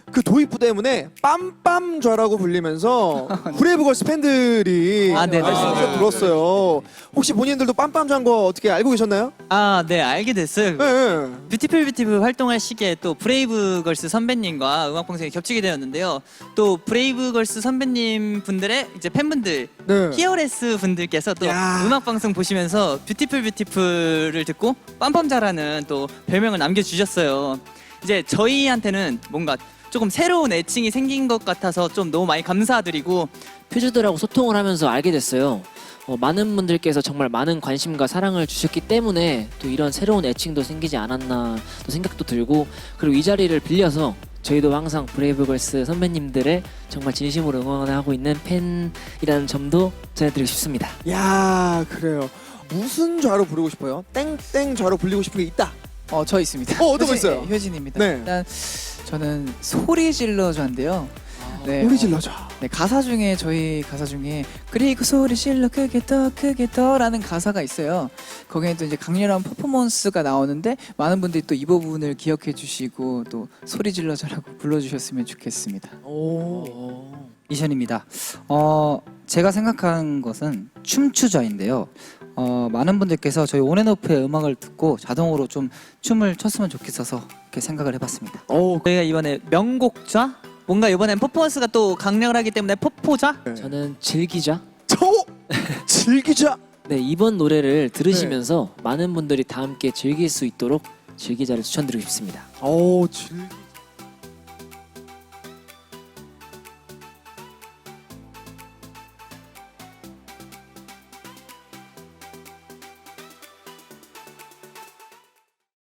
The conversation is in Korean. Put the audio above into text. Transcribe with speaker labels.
Speaker 1: 그 도입부 때문에 빰빰좌라고 불리면서 브레이브걸스 팬들이
Speaker 2: 네네.
Speaker 1: 말씀을 들었어요. 혹시 본인들도 빰빰좌인 거 어떻게 알고 계셨나요?
Speaker 2: 네, 알게 됐어요.
Speaker 1: 네.
Speaker 2: 뷰티풀 활동할 시기에 또 브레이브걸스 선배님과 음악 방송이 겹치게 되었는데요. 또 브레이브걸스 선배님 분들의 이제 팬분들,
Speaker 1: 네.
Speaker 2: 히어레스 분들께서 또
Speaker 1: 야.
Speaker 2: 음악 방송 보시면서 뷰티풀을 듣고 빰빰자라는 또 별명을 남겨주셨어요. 이제 저희한테는 뭔가 조금 새로운 애칭이 생긴 것 같아서 좀 너무 많이 감사드리고
Speaker 3: 퓨즈들하고 소통을 하면서 알게 됐어요. 많은 분들께서 정말 많은 관심과 사랑을 주셨기 때문에 또 이런 새로운 애칭도 생기지 않았나 또 생각도 들고, 그리고 이 자리를 빌려서 저희도 항상 브레이브걸스 선배님들의 정말 진심으로 응원하고 있는 팬이라는 점도 전해드리고 싶습니다.
Speaker 1: 야, 그래요. 무슨 좌로 부르고 싶어요? 땡땡좌로 불리고 싶은 게 있다.
Speaker 4: 저 있습니다.
Speaker 1: 어떤 거 있어요?
Speaker 4: 효진입니다.
Speaker 1: 네.
Speaker 4: 일단 저는 소리 질러줘인데요. 네,
Speaker 1: 소리 질러줘.
Speaker 4: 네, 가사 중에 저희 가사 중에 그리고 소리 질러 크게 더라는 가사가 있어요. 거기에 또 이제 강렬한 퍼포먼스가 나오는데 많은 분들이 또 이 부분을 기억해 주시고 또 소리 질러줘라고 불러주셨으면 좋겠습니다.
Speaker 1: 오.
Speaker 5: 이션입니다. 제가 생각한 것은 춤추자인데요. 많은 분들께서 저희 온앤오프의 음악을 듣고 자동으로 좀 춤을 췄으면 좋겠어서 이렇게 생각을 해봤습니다.
Speaker 1: 오.
Speaker 2: 저희가 이번에 명곡좌? 뭔가 이번엔 퍼포먼스가 또 강렬하기 때문에 퍼포좌?
Speaker 3: 저는 즐기자.
Speaker 1: 즐기자.
Speaker 3: 네, 이번 노래를 들으시면서 많은 분들이 다 함께 즐길 수 있도록 즐기자를 추천드리고 싶습니다.
Speaker 1: 오, 즐기.